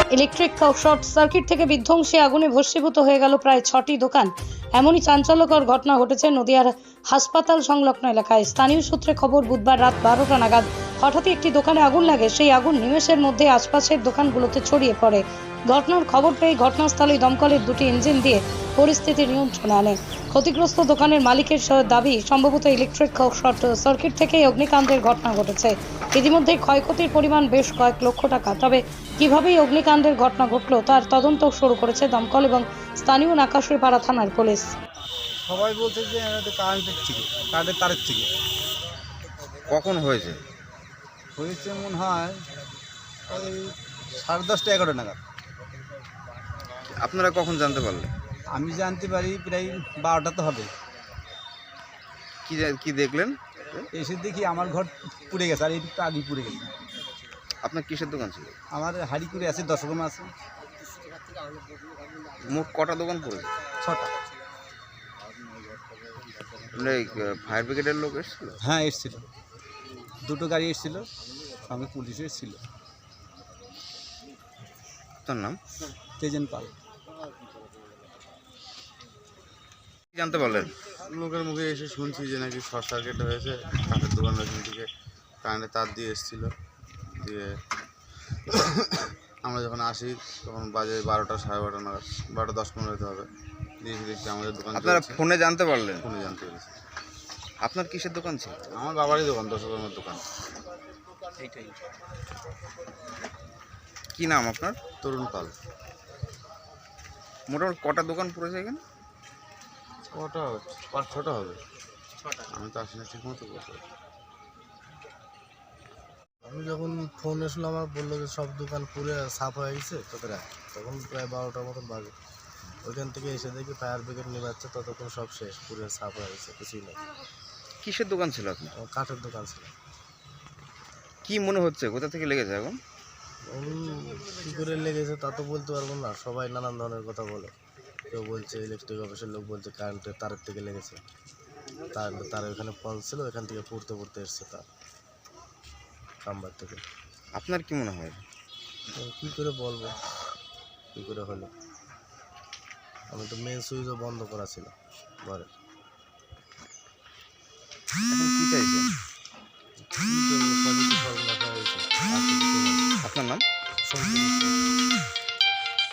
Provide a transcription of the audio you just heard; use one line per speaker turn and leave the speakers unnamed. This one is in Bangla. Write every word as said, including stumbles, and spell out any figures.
ইলেকট্রিক শর্ট সার্কিট থেকে বিধ্বংসী আগুনে ভস্মীভূত হয়ে গেল প্রায় ছটি দোকান। এমনই চাঞ্চল্যকর ঘটনা ঘটেছে নদিয়ার হাসপাতাল সংলগ্ন এলাকায়। স্থানীয় সূত্রে খবর, বুধবার রাত বারোটা নাগাদ হঠাৎই একটি দোকানে আগুন লাগে। সেই আগুন নিমেষের মধ্যে আশপাশের দোকানগুলোতে ছড়িয়ে পড়ে। ঘটনার খবর পেয়ে ঘটনাস্থলে দমকলের দুটি ইঞ্জিন দিয়ে পরিস্থিতি নিয়ন্ত্রণে আনে। ক্ষতিগ্রস্ত দোকানের মালিকের দাবি, সম্ভবত ইলেকট্রিক শর্ট সার্কিট থেকে অগ্নিকাণ্ডের ঘটনা ঘটেছে। ইতিমধ্যে ক্ষয়ক্ষতির পরিমাণ বেশ কয়েক লক্ষ টাকা। তবে কিভাবে অগ্নিকাণ্ডের ঘটনা ঘটল তার তদন্ত শুরু করেছে দমকল এবং স্থানীয় নাকাশিপাড়া থানার পুলিশ।
সবাই বলছে যে কারেন্টের থেকে কারেন্টের তারের থেকে
কখন হয়েছে?
হয়েছে মনে হয় ওই সাড়ে দশটা এগারোটা নাগাদ।
আপনারা কখন জানতে পারলেন?
আমি জানতে পারি প্রায় বারোটা তো হবে।
কি কি দেখলেন?
এসে দেখি আমার ঘর পুড়ে গেছে, আর একটু আগে পুড়ে গেছে।
আপনার কিসের দোকান ছিল?
আমার হাড়ি করে আছে, দশ রকম আছে।
মোট কটা দোকান পড়েছে?
ছটা।
ফায়ার ব্রিগেডের লোক এসেছিল?
হ্যাঁ এসেছিল, দুটো গাড়ি এসেছিল, সঙ্গে পুলিশও এসেছিল।
তার নাম
তেজেন পাল।
জানতে পারলেন?
লোকের মুখে এসে শুনছি যে নাকি শর্ট সার্কিট হয়েছে, কাঠের দোকান ওখান থেকে কারেন্টের তার দিয়ে এসেছিলো। দিয়ে আমরা যখন আসি তখন বাজে বারোটা সাড়ে বারোটা নাগাদ, বারোটা দশ পনেরো হতে হবে। দিয়ে দেখছি আমাদের দোকান।
আপনারা ফোনে জানতে পারলেন?
ফোনে জানতে পেরেছি।
আপনার কিসের দোকান ছিল?
আমার বাবারই দোকান, দশকর্মের দোকান।
এইটাই।
কি নাম আপনার?
তরুণ পাল।
মোটামুটি কটা দোকান পড়েছে এখানে?
কটা পাঁচ ছটা হবে, আমি তো আসি না ঠিক মতো।
আমি যখন ফোন এসলো আমার, বললো যে সব দোকান পুরো সাফ হয়ে গেছে তোদের, তখন প্রায় বারোটার মতন বাজে। ওইখান থেকে এসে দেখি ফায়ার ব্রিগেড নিয়ে যাচ্ছে, ততক্ষণ সব শেষ, পুরো সাফ হয়ে গেছে, কিছুই নেই।
কিসের দোকান ছিল আপনার?
কাঠের দোকান ছিল।
কি মনে হচ্ছে কোথা থেকে লেগেছে এখন?
কী করে লেগেছে তা তো বলতে পারবো না, সবাই নানান ধরনের কথা বলে। কেউ বলছে ইলেকট্রিক অফিসের লোক বলছে কারেন্টের তারের থেকে লেগেছে, তার তার ওখানে ফল ছিল, ওখান থেকে পড়তে পড়তে এসছে তার কাম্বার থেকে।
আপনার কি মনে হয়?
কী করে বলবো কী করে হলো, আমি তো মেন সুইচও বন্ধ করা ছিল ঘরে।
এখন কি চাইছেন?
কী করবো, সবই তো সর্বনাশ হয়েছে।
আপনার নাম?
সন্তোষ।